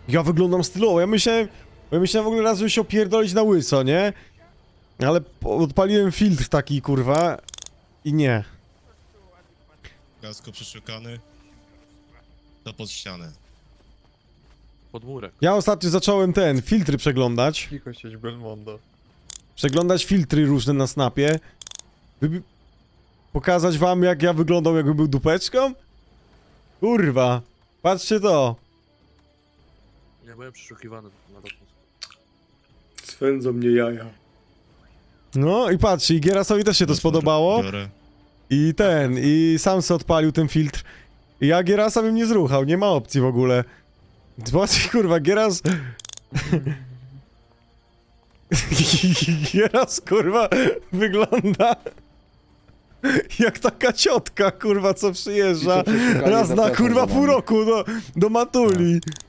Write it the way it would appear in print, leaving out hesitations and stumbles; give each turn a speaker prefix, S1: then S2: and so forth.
S1: Ja wyglądam stylowo, ja myślałem w ogóle raz, żeby się opierdolić na łyso, nie? Ale odpaliłem filtr taki, kurwa, i nie.
S2: Kasko przeszukany. To pod ścianę.
S3: Pod murek.
S1: Ja ostatnio zacząłem filtry przeglądać.
S4: Cicho siedź, Belmondo.
S1: Przeglądać filtry różne na snapie. Pokazać wam, jak ja wyglądał, jakbym był dupeczką? Kurwa, patrzcie to.
S3: Ja byłem przeszukiwany na lotnisku.
S5: Swędzą mnie jaja.
S1: No i patrzcie, i Gierasowi też się to spodobało.
S2: Biorę.
S1: I sam se odpalił ten filtr. I ja Gierasa bym nie zruchał, nie ma opcji w ogóle. Zobaczcie, kurwa, Gieras... Gieras, kurwa, wygląda... jak taka ciotka, kurwa, co przyjeżdża
S5: I co, przeszukali
S1: raz na,
S5: zapraszam
S1: kurwa,
S5: za
S1: pół
S5: nami.
S1: roku do Matuli.